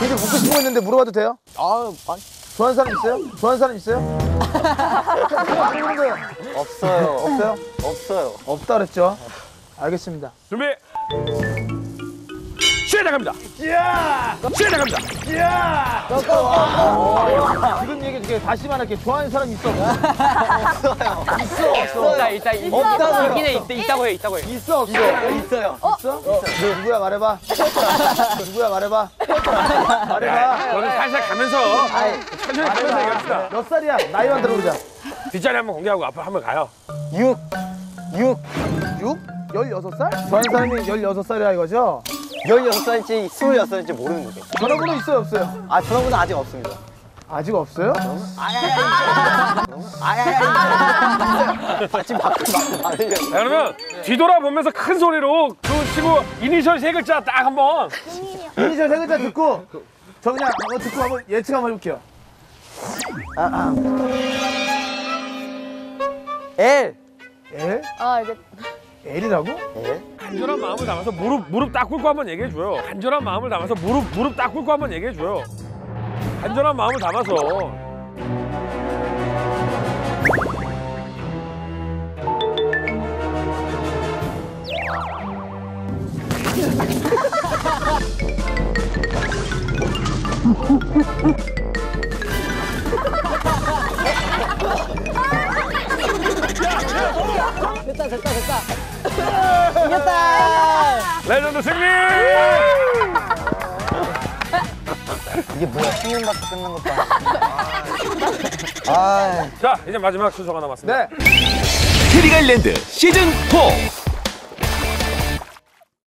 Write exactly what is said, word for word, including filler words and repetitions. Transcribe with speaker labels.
Speaker 1: 굉장히 묻고 싶은 거 있는데 물어봐도 돼요?
Speaker 2: 아, 아.
Speaker 1: 좋아하는 사람 있어요? 좋아하는 사람 있어요?
Speaker 2: 없어요.
Speaker 1: 없어요?
Speaker 2: 없어요.
Speaker 1: 없다 그랬죠? 알겠습니다.
Speaker 3: 준비. 시작합니다.
Speaker 1: 야!
Speaker 3: 시작합니다.
Speaker 1: 야! 지금 얘기 중에 다시 말할게. 좋아하는 사람 있어?
Speaker 2: 없어요.
Speaker 1: 있어, 없어.
Speaker 4: 있다, 있다. 없다고요. 있긴 해, 있, 있다고 해, 있다고 해.
Speaker 1: 있어, 없어?
Speaker 2: 있어요.
Speaker 1: 있어? 너 누구야 말해봐. 누구야 말해봐. 말해봐.
Speaker 3: 저는 살살 가면서 천천히 가면서 얘기합시다.
Speaker 1: 몇 살이야? 나이만 들어보자.
Speaker 3: 뒷자리 한번 공개하고 앞으로 한번 가요.
Speaker 2: 육. 육.
Speaker 1: 육? 열여섯 살? 좋아하는 사람이 열여섯 살이야 이거죠?
Speaker 2: 열여섯 살인지 스물여섯 살인지 모르는 거죠.
Speaker 1: 전화번호 있어요, 없어요?
Speaker 2: 아, 전화번호 아직 없습니다.
Speaker 1: 아직 없어요?
Speaker 2: 아야야야. 지금 밖으로 막 말하려고.
Speaker 3: 자, 그러면 뒤돌아보면서 큰 소리로 그 친구 이니셜 세 글자 딱 한번.
Speaker 1: 이니셜 세 글자 듣고 저 그냥 한번 듣고 한번 예측 한번 해볼게요.
Speaker 2: 아, 아. L.
Speaker 1: L?
Speaker 5: 아 이제
Speaker 1: L이라고?
Speaker 2: L?
Speaker 3: 간절한 마음을 담아서 무릎 무릎 딱 꿇고 한번 얘기해 줘요. 간절한 마음을 담아서 무릎 무릎 딱 꿇고 한번 얘기해 줘요. 간절한 마음을 담아서.
Speaker 4: 됐다, 됐다, 됐다. 이겼다.
Speaker 3: 레전드 승리!
Speaker 2: 이게 뭐야? 십 년밖에 끝난 것도 아니고. 아.
Speaker 3: 자, 이제 마지막 순서가 남았습니다.
Speaker 1: 네.
Speaker 6: 트리갈랜드 시즌 사